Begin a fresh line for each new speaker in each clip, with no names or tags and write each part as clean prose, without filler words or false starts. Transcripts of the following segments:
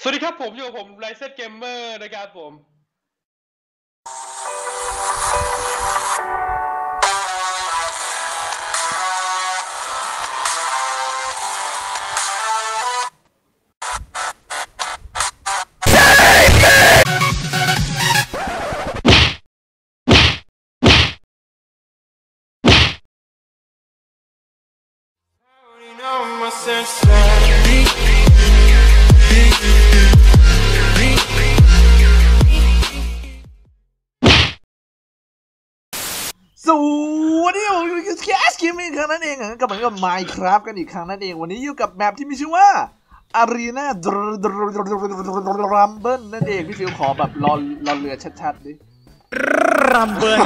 สวัสดีครับผมอยู่กับผมไลเซนเกมเมอร์นะครับผม
สวัสดีผมอยู่กับแคสเกมมิ่งครั้งนั้นเองกับเหมือนกับ Minecraft กันอีกครั้งนั่นเองวันนี้อยู่กับแมปที่มีชื่อว่า Arena Rumble นั่นเองพี่ฟิวขอแบบรอเรือชัดๆดิ
Rumble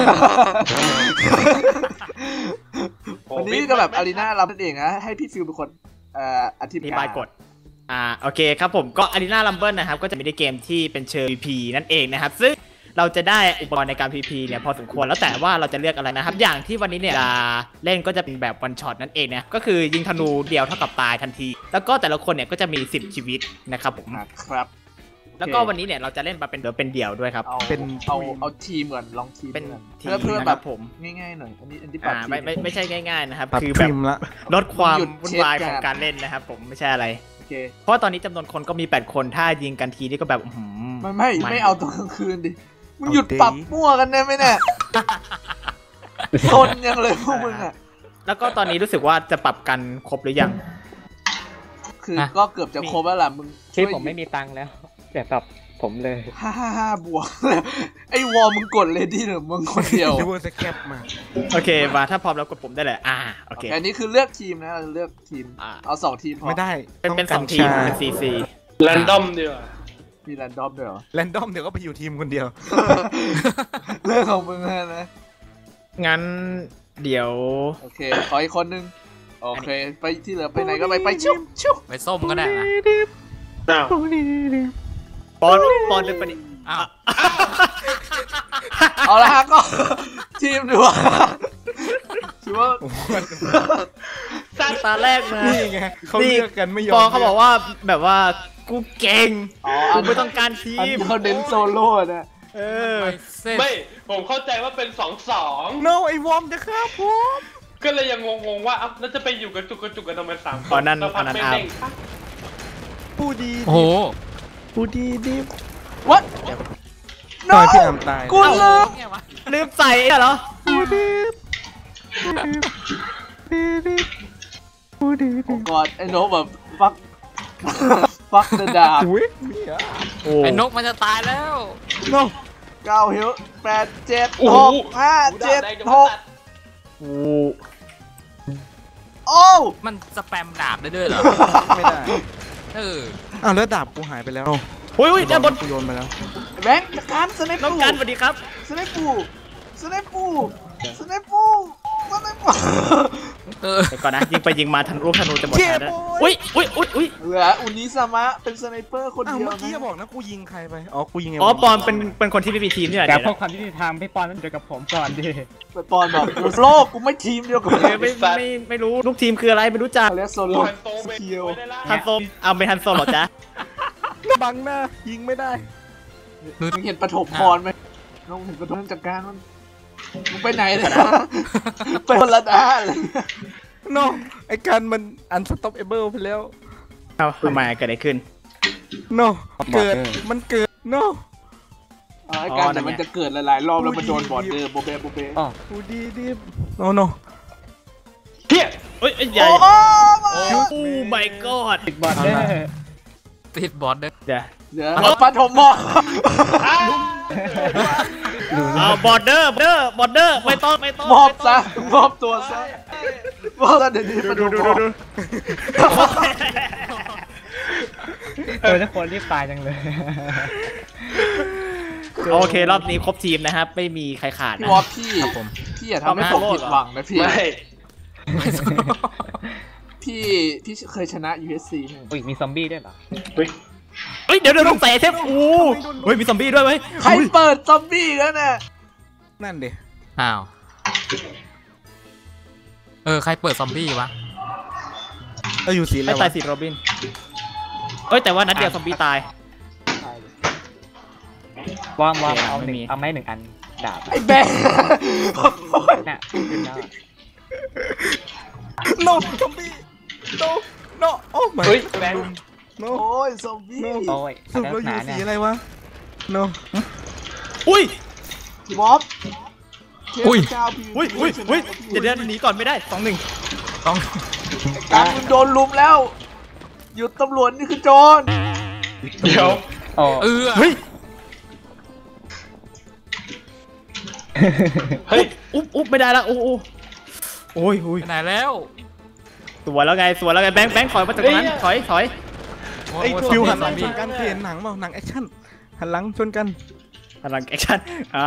วันนี้ก็แบบ Arena Rumble นั่นเองนะให้พี่ฟิวเป็นคนอธิบาย
กฎโอเคครับผมก็ Arena Rumble นะครับก็จะมีในเกมที่เป็นเชิง PVP นั่นเองนะครับซึ่งเราจะได้อุปกรณ์ในการ PVP เนี่ยพอสมควรแล้วแต่ว่าเราจะเลือกอะไรนะครับอย่างที่วันนี้เนี่ยจะเล่นก็จะเป็นแบบวันช็อตนั่นเองนะก็คือยิงธนูเดียวเท่ากับตายทันทีแล้วก็แต่ละคนเนี่ยก็จะมี10ชีวิตนะครับผม
ครับ
แล้วก็วันนี้เนี่ยเราจะเล่นมาเป็นเดี่ยวด้วยครับ
เอาทีมก่อนลองทีม
เป็น
เพื่อแบบผมง่ายๆหน่อยอันนี้ปัด
ไม่ใช่ง่ายๆนะครับคือแบบลดความวุ่นวายของการเล่นนะครับผมไม่ใช่อะไรเพราะตอนนี้จำนวนคนก็มี8คนถ้ายิงกันทีนี่ก็แบบ
ไม่เอาตอนกลางคืนดิมึงหยุดปรับมั่วกันได้ไหมเนี่ยซนยังเลยพวกมึงอ่ะ
แล้วก็ตอนนี้รู้สึกว่าจะปรับกันครบหรือยัง
คือก็เกือบจะครบแล้วล่ะมึง
ที่ผมไม่มีตังค์แล้วแต่ปรับผมเลย
5 บวกไอ้วอลมึงกดเลยดิหรือมึงคนเดียว
ดูสแคปมา
โอเคมาถ้าพร้อมแล้วกดปุ่มได้เลยโอเค
อันนี้คือเลือกทีมนะเลือกทีมเอา2ทีมพอ
ไม่ได้
เป็น2ทีมเป็นCC
แรนดอมดีกว่า
มีแรนดอมด้วยเหรอ
แรนดอมเดี๋ยวก็ไปอยู่ทีมคนเดียว
เรื่องของมึงนะ
งั้นเดี๋ยว
โอเคขออีกคนนึงโอเคไปที่เหลือไปไหนก็ไปชุบ
ไปส้มก็ได้นะ
ปอนเลยปะนี่
เอาละฮะก็ทีมดูว่าถือว่า
ตาแรกนะ
นี่ไงเขาเลือกกันไม่ยอม
ปอเขาบอกว่าแบบว่ากูเก่งกูไม่ต้องการทีม
เขาเน้นโซโล่นะ
ไม่ผมเข้าใจว่าเป็น2-2
no ไอวอมจะฆ่าผม
ก็เลยยังงงว่าแล้วจะไปอยู่กันจุกกันทำไม3 คน
ตอนนั้น
ปูดี
โอ้โห
ปูดีดิ
What
ตายพี่อามตาย
กู
ลืมใส่เหรอ
ปูดี
ก่อนไอ้โน้แบบฟักเดอะดาบ
ไอ้นกมันจะตายแล้ว
โน
9 ฮิว8 7 6 5 7 6โอ้
มันสแปมดาบได้ด้วยเหรอ
ไม่ได้แล้วดาบกูหายไปแล้ว
อุ้ยด้านบน
กูโยนไปแล้ว
แบงค์การสไนปู
น้องกันสวัสดีครับ
สไนปูเดี๋ยว
ก่อนนะยิงไปยิงมาทันลูกธนูจะหมดแล้วอุ้ย
เหลืออุนิสามะเป็นสไนเปอร์คนเดียว
เมื่อกี้บอกนะกูยิงใครไปกูยิง
ปอนเป็นคนที่ไม่มีทีมนี่แหละ
แต่พวกความที่ทำพี่ปอนต้องเจอกับผมก่อนดิ
ปอนบอกโลกกูไม่ทีมเดียวกับ
ไม่รู้ลูกทีมคืออะไรไม่รู้จัก
เรียกโซโล่สกิล
ทันโซเอาไปทันโซหรอจ๊ะ
บังหน้ายิงไม่ได้
มึงเห็นปฐมพรไหมน้องเห็นปฐมจัดการมันมึงไปไหนเลยไปคนละด้านเลย
โน่ไอ้การมันอันสต็อปเอเบิลไปแล้ว
ทำไมเกิดอะไรขึ้น
โน่เกิดมันเกิดโน่
ไอ้การแต่มันจะเกิดหลายๆรอบแล้วมันโดนบอดเดอร์โบเบ้
กูดีโน่
เฮียใหญ่โอ้ my god
ติดบอดเดอร์
เดี๋ยว
ปฐมพร
บอร์เดอร์ไม่ต้อง
มอบซะมอบตัวซะเดี๋ยวดู
ทุกคนรีบตายจังเลย
โอเครอบนี้ครบทีมนะครับไม่มีใครขาดนะ
พี่อย่าทำให้ผมผิดหวังนะพี่พี่เคยชนะ USC
มีซอมบี้ด้วยเหรอ
เดี๋ยวต้องใส่เทปมีซอมบี้ด้วยไหม
ใครเปิดซอมบี้แล้วเนี่ย
นั่นดิ
ใครเปิดซอมบี้วะ
อยู่สีอะไร
ตายสีโรบินแต่ว่านัดเดียวซอมบี้ตาย
วอมเอาหนึ่งเอาไม้1 อันดาบ
ไอ้แบงค์
น่ะขึ้นแล้ว
no ซอมบี้ no โอ้ my
เฮ้ยแบงค์
no
โอ้ยซอมบี้
โอ้ย
สรุปเราอยู่สีอะไรวะ no
อุ้ย
พี่บ๊อบ
อุ้ย
เจ้าพี่
อุ้ยเดี๋ยวหนีก่อนไม่ได้2-1
ต้อง
การมึงโดนลุมแล้ว หยุดตำรวจนี่คือโจร
เดี๋ยว
โอ้
เฮ้ย
เฮ้ย
อุ๊บไม่ได้ละโอ้ย
ไปไหนแล้ว
สวยแล้วไงแบงค์ถอยมาจากตรงนั้นถอย
ไอ้
โอ้ย
ฟิว
ซ
หั
อน ม
หลังช
บี้
นกันเปลี่ยนหนังเปล่าหนังแอคชั่นหันหลังชนกัน
พลังแอคชั่น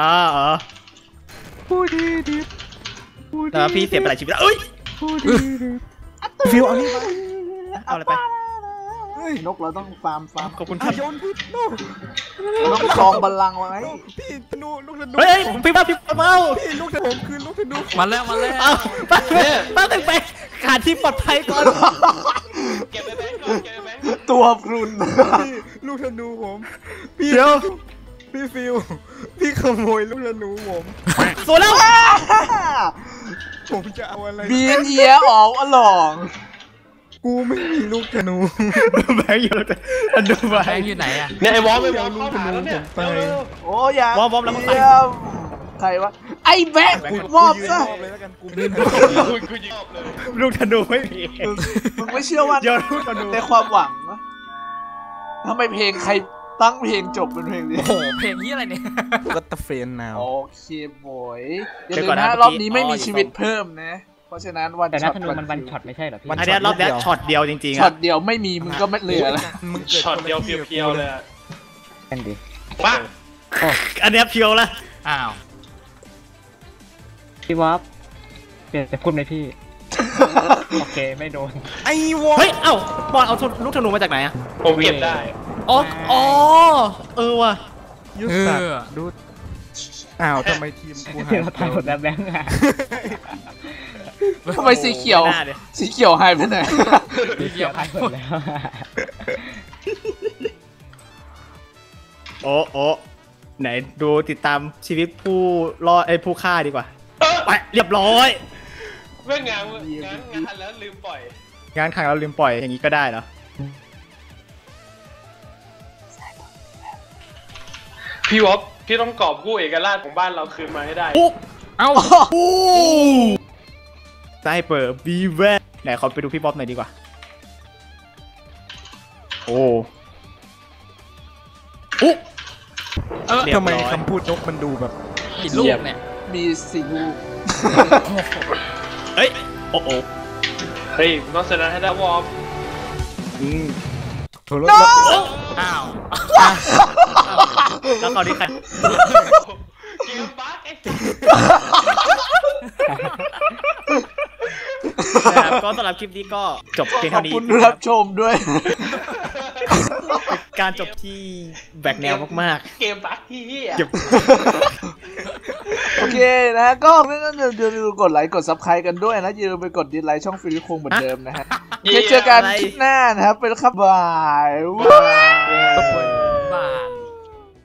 พูดดี
แล้วพี่เสียไปหลายชีวิตแล้วเอ้ย
ฟิวเอานี่มา
เอาอะไรไป
เฮ้ย
นกเราต้องฟาร์ม
ขอบคุณครับ
โยนพี่ no
เราต้องครองบัลลังก์ไว้
no พี่ธนูลูกธนู
เฮ้ยพี่มาเอา
พี่ลูกธนูผมคือลูกธนู
มาแล้ว
เอาป้าถึงไปขาดที่ปลอดภัยก่อน
เก็บไปแบงค์ก่อนเก็บไปแบงค์
ตัวพรุน
พี่ลูกธนูผมพี่
เดี๋ยว
พี่ฟิวพี่ขโมยลูกธนูผม
สวยแล้ว
ผมจะเอาอะไร
บีนเยียออกอลอง
กูไม่มีลูกธนู
แบงค์อยู่อันดูไป
แบงค์อยู่ไหนอะ
เนี่ยไอ้วอลไม่วอลเข้าหาแล้วเนี่ย
ไป
โอ้ยอย่าว
อร์มแล้วก็ใส่
เยี่ยมใครวะไอ้แบงค์มอบ
ยืน
ซะ
มอบเลยแล้วกันกูไม่ได้
กูยิงออกเลย
ลูกธนูไม่มี
มึงไม่เชื่อว่า
เดี๋ยวลูกธนู
ในความหวังวะทำไมเพลงใครตั้งเพลงจบเป็นเพลงนี้
โอ้โหเพลงนี้อะไรเนี่ย
ก็ตะเฟนนาว
โอเคบอยอย่าลืมนะรอบนี้ไม่มีชีวิตเพิ่มนะ เพราะฉะนั้นวัน
แต่
ช็
นั
อต
ธนูมันวันช็อตไม่ใช่เหรอพี่
อันนี้รอบนี้ช็อตเดียวจริงๆ
ช็อ
อะ
ตเดียวไม่มีมึงก็ไม่เหลือแล้ว
มึงเกิด
ช็อตเดียวเพียวๆเลยอะ
นั่นดิ
ปัง
อันนี้เพียวละ
อ้าว
พี่วอฟเปลี่ยนแต่พูดไหมพี่ โอเคไม่โดน
ไอ้วอ
เฮ้ยเอ้าบอลเอาลูกธนูมาจากไหนอะ
ผมเก็บได้
อ๋อว่ะ
ยุทธศักดิ์ดูอ้าวทำไมทีมกูหาย
เราตายหมดแล้วแบงค์อะ
ทำไมสีเขียว
ไม่น่าดิ
สีเขียวหายไปไหน
เกี่ยวตายหมดแล้ว
โอ้ไหนดูติดตามชีวิตผู้รอดผู้ฆ่าดีกว่าไปเรียบร้อย
เรื่องงานแล้วลืมปล่อย
งานขังเราลืมปล่อยอย่างนี้ก็ได้เหรอ
พี่วอฟพี่ต้องกอบกู้เอกราชของบ้านเราคืนมาให้ได้
เอ้า
ไซเปอร์บีแวร์ไหนขอไปดูพี่บ๊อบหน่อยดีกว่าโอ้เรียบ
ทำไม
ร้อย
คำพูดนกมันดูแบบ
กี่ลูกเนี่ย
มีสี่ลูก
เอ้ยโอ้
เฮ้ยต้องชนะให้ได้วอฟ
โทร
อ้าว
แล้วตอนนี้ใคร
เกมบั๊กไอ้
นะครับก็สำหรับคลิปนี้ก็จบเพียง
ขอบ
เท่านี้
คุณ
นะค
รั
รั
บบ ชมด้วย
เป็นการจบที่แบกแนวมาก
เกมบั๊กที่เหี้ย
ๆเก็บ
โอเคนะก็อย่าลืมกดไลค์กดซับสไครต์กันด้วยนะอย่าลืมไปกดดิสไลค์ช่องฟิลิปคงเหมือนเดิมนะฮะเจอกันคลิปหน้านะครับเป็นครับบาย
เปิด